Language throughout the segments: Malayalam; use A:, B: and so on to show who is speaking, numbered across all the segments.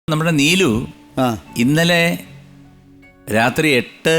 A: നമ്മുടെ നീലു ഇന്നലെ രാത്രി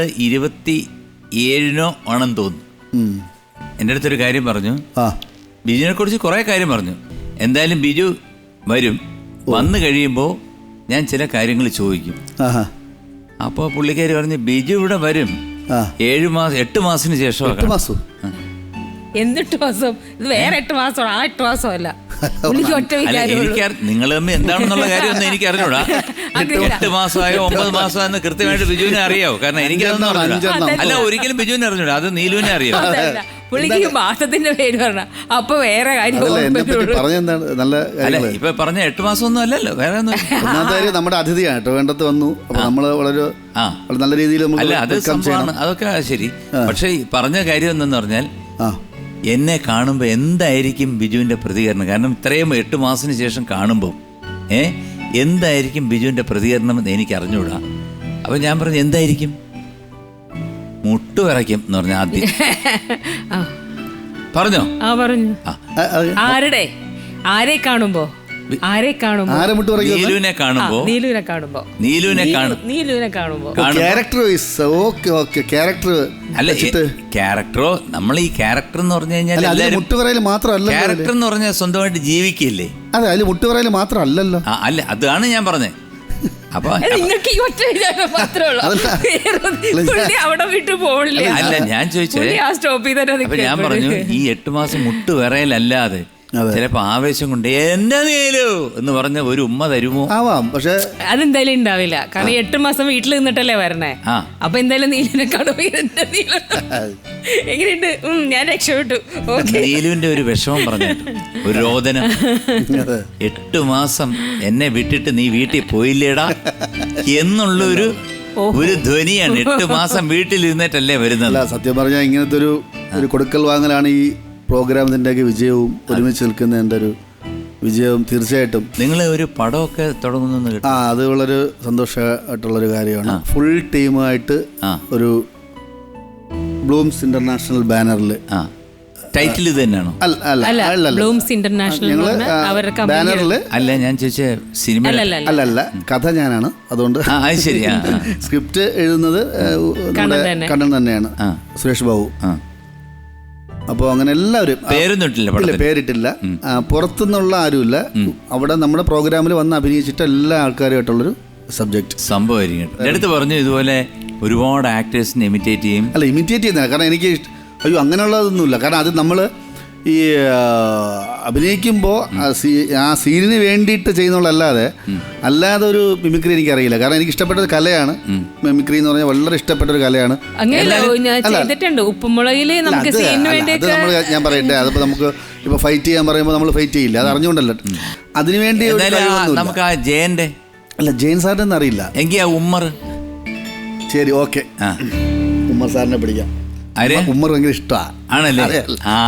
A: 8:27 ആണെന്ന് തോന്നുന്നു. എൻ്റെ അടുത്തൊരു കാര്യം പറഞ്ഞു. ബിജുവിനെ കുറിച്ച് കുറേ കാര്യം പറഞ്ഞു. എന്തായാലും ബിജു വരും, വന്നു കഴിയുമ്പോൾ ഞാൻ ചില കാര്യങ്ങൾ ചോദിക്കും. അപ്പോൾ പുള്ളിക്കാരി പറഞ്ഞു ബിജു ഇവിടെ വരും 8 മാസത്തിന് ശേഷം.
B: എന്ത് 8 മാസം? ഇത് വേറെ 8 മാസമാണ്, ആ 8 മാസമല്ല.
A: നിങ്ങൾ തമ്മിൽ എന്താണെന്നുള്ള കാര്യമൊന്നും എനിക്ക് അറിഞ്ഞൂടാ. 8 മാസമായോ 9 മാസമായെന്ന് കൃത്യമായിട്ട് ബിജുവിനെ അറിയാവോ? കാരണം എനിക്കതൊന്നും അറിഞ്ഞൂടാ. അല്ല, ഒരിക്കലും ബിജുവിനെ അറിഞ്ഞൂടാ, അത് നീലുവിനെ അറിയാം.
B: പുള്ളിക്ക് മാസത്തിന്റെ പേര് പറഞ്ഞ അപ്പൊ വേറെ കാര്യം.
A: അല്ല, ഇപ്പൊ പറഞ്ഞ 8 മാസമൊന്നും അല്ലല്ലോ, വേറെ
C: ഒന്നും. നമ്മുടെ അതിഥിയാണ് കേട്ടോ, വേണ്ടത് വന്നു. നമ്മള് വളരെ നല്ല രീതിയിൽ
A: അല്ല, അത് സംഭവമാണ്, അതൊക്കെ ശരി. പക്ഷെ പറഞ്ഞ കാര്യം എന്തെന്ന് പറഞ്ഞാൽ, എന്നെ കാണുമ്പോൾ എന്തായിരിക്കും ബിജുവിൻ്റെ പ്രതികരണം? കാരണം ഇത്രയും 8 മാസത്തിന് ശേഷം കാണുമ്പോൾ എന്തായിരിക്കും ബിജുവിൻ്റെ പ്രതികരണം എന്ന് എനിക്ക് അറിഞ്ഞുകൂടാ. അപ്പം ഞാൻ പറഞ്ഞു എന്തായിരിക്കും? മുട്ടു വിറയ്ക്കും എന്ന് പറഞ്ഞ ആദ്യം പറഞ്ഞോ?
B: പറഞ്ഞു. ആരെ കാണുമ്പോ?
A: നീലുവിനെ കാണുമ്പോ അല്ല, ക്യാരക്ടറോ, നമ്മൾ ഈ ക്യാരക്ടർ എന്ന് പറഞ്ഞു കഴിഞ്ഞാൽ ക്യാരക്ടർ എന്ന് പറഞ്ഞാൽ സ്വന്തമായിട്ട് ജീവിക്കില്ലേ?
C: അതെ, അതിൽ മുട്ടുപറയിൽ മാത്രമല്ലല്ലോ.
A: അല്ല, അതാണ് ഞാൻ പറഞ്ഞത്. അപ്പൊ അല്ല, ഞാൻ ചോദിച്ചത്, അപ്പൊ ഞാൻ പറഞ്ഞു ഈ 8 മാസം മുട്ടുവിറയലല്ലാതെ ചിലപ്പോ ആവേശം കൊണ്ട് എന്റെ നീലു എന്ന് പറഞ്ഞ ഒരു ഉമ്മ തരുമോ?
C: ആവാം, പക്ഷെ
B: അതെന്തായാലും ഉണ്ടാവില്ല. കാരണം 8 മാസം വീട്ടിൽ നിന്നിട്ടല്ലേ വരണേ. അപ്പൊ എന്തായാലും നീലിനെ കാണുമ്പോ എങ്ങനെയുണ്ട്? ഞാൻ രക്ഷപ്പെട്ടു.
A: നീലുവിന്റെ ഒരു വിഷമം പറഞ്ഞു, ഒരു രോദനം. 8 മാസം എന്നെ വിട്ടിട്ട് നീ വീട്ടിൽ പോയില്ലേടാ എന്നുള്ളൊരു ധ്വനിയാണ്. 8 മാസം വീട്ടിൽ ഇരുന്നിട്ടല്ലേ വരുന്നത്.
C: സത്യം പറഞ്ഞാൽ ഇങ്ങനത്തെ ഒരു കൊടുക്കൽ വാങ്ങലാണ് ഈ പ്രോഗ്രാമിൻ്റെയൊക്കെ വിജയവും. ഒരുമിച്ച് നിൽക്കുന്നതിൻ്റെ ഒരു വിജയവും തീർച്ചയായിട്ടും.
A: നിങ്ങൾ ഒരു പടമൊക്കെ തുടങ്ങുന്നു.
C: അത് വളരെ സന്തോഷമായിട്ടുള്ളൊരു കാര്യമാണ്. ഫുൾ ടീമായിട്ട് ഒരു ബ്ലൂംസ് ഇന്റർനാഷണൽ ബാനറിൽ.
A: ടൈറ്റിൽ ഇത് തന്നെയാണോ?
B: ബ്ലൂംസ് ഇന്റർനാഷണൽ
C: ബാനറിൽ
A: അല്ല, ഞാൻ ചോദിച്ച സിനിമ
C: അല്ല, കഥ ഞാനാണ്. അതുകൊണ്ട്
A: ശരിയാ.
C: സ്ക്രിപ്റ്റ് എഴുതുന്നത് കണ്ണൻ തന്നെയാണ്, സുരേഷ് ബാബു. അപ്പോൾ അങ്ങനെ എല്ലാവരും പേരിട്ടില്ല, പുറത്തുനിന്നുള്ള ആരുമില്ല. അവിടെ നമ്മുടെ പ്രോഗ്രാമിൽ വന്ന് അഭിനയിച്ചിട്ട് എല്ലാ ആൾക്കാരുമായിട്ടുള്ളൊരു സബ്ജക്റ്റ്
A: സംഭവമായിരിക്കും. എടുത്ത് പറഞ്ഞു ഇതുപോലെ ഒരുപാട് ആക്ടേഴ്സിനെ ഇമിറ്റേറ്റ് ചെയ്യും.
C: അല്ല, ഇമിറ്റേറ്റ് ചെയ്യുന്നില്ല, കാരണം എനിക്ക് അങ്ങനെയുള്ളതൊന്നുമില്ല. കാരണം അത് നമ്മൾ ഈ അഭിനയിക്കുമ്പോൾ ആ സീനിന് വേണ്ടിയിട്ട് ചെയ്യുന്നുള്ളല്ലാതെ ഒരു മിമിക്രി എനിക്കറിയില്ല. കാരണം എനിക്ക് ഇഷ്ടപ്പെട്ട ഒരു കലയാണ് മിമിക്രി എന്ന് പറഞ്ഞാൽ, വളരെ ഇഷ്ടപ്പെട്ട ഒരു കലയാണ്. ഞാൻ പറയട്ടെ, അതിപ്പോൾ നമുക്ക് ഇപ്പോൾ ഫൈറ്റ് ചെയ്യാൻ പറയുമ്പോൾ നമ്മൾ ഫൈറ്റ് ചെയ്യില്ല, അത് അറിഞ്ഞുകൊണ്ടല്ല. അതിനുവേണ്ടി
A: നമുക്ക് ആ ജയന്റെ
C: അല്ല, ജയൻ സാറിൻ്റെ ഒന്നും അറിയില്ല
A: എങ്കിൽ ആ ഉമ്മർ.
C: ശരി, ഓക്കെ, ഉമ്മർ സാറിനെ പിടിക്കാം. ഉമ്മർ ഭയങ്കര ഇഷ്ടമാണല്ലേ.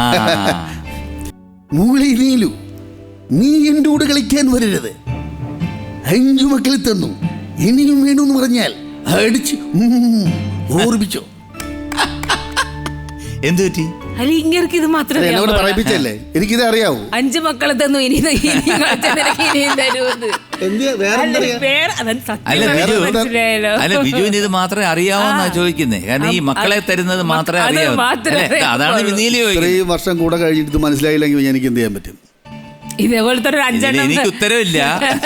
C: മൂളി നീലു, നീ എൻ്റെ കൂടെ കളിക്കാൻ വരരുത്. 5 മക്കളെ തന്നു, ഇനിയും വേണമെന്ന് പറഞ്ഞാൽ അടിച്ച് ഓർപ്പിച്ചോ.
A: എന്ത് പറ്റി?
B: ഇത് മാത്രമേ
C: പറയിപ്പിച്ചല്ലേ, എനിക്കിത് അറിയാവൂ.
B: 5 മക്കളെ തന്നു, ഇനി
A: അല്ല, ബിജുവിന് ഇത് മാത്രമേ അറിയാവോന്നാ ചോദിക്കുന്നേ. കാരണം ഈ മക്കളെ തരുന്നത് മാത്രമേ അറിയാവൂ. അതാണ് നീലു.
C: 3 വർഷം കൂടെ കഴിഞ്ഞിട്ട് ഇത് മനസ്സിലായില്ലെങ്കിൽ എനിക്ക് എന്ത് ചെയ്യാൻ പറ്റും?
B: ഇതേപോലത്തെ ഒരു 5
A: എനിക്ക് ഉത്തരവില്ല.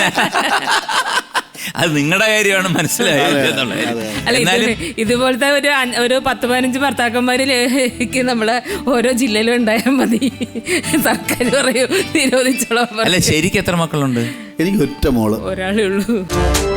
A: അത് നിങ്ങളുടെ കാര്യമാണ്, മനസ്സിലായത്.
B: ഇതുപോലത്തെ ഒരു 10-15 ഭർത്താക്കന്മാരിലേക്ക് നമ്മള് ഓരോ ജില്ലയിലും ഉണ്ടായാൽ മതി. സർക്കാർ പറയൂ നിരോധിച്ചോളാം.
A: അല്ല, ശരിക്കും എത്ര മക്കളുണ്ട്?
C: എനിക്ക് ഒറ്റ മോള്,
B: ഒരാളേ ഉള്ളൂ.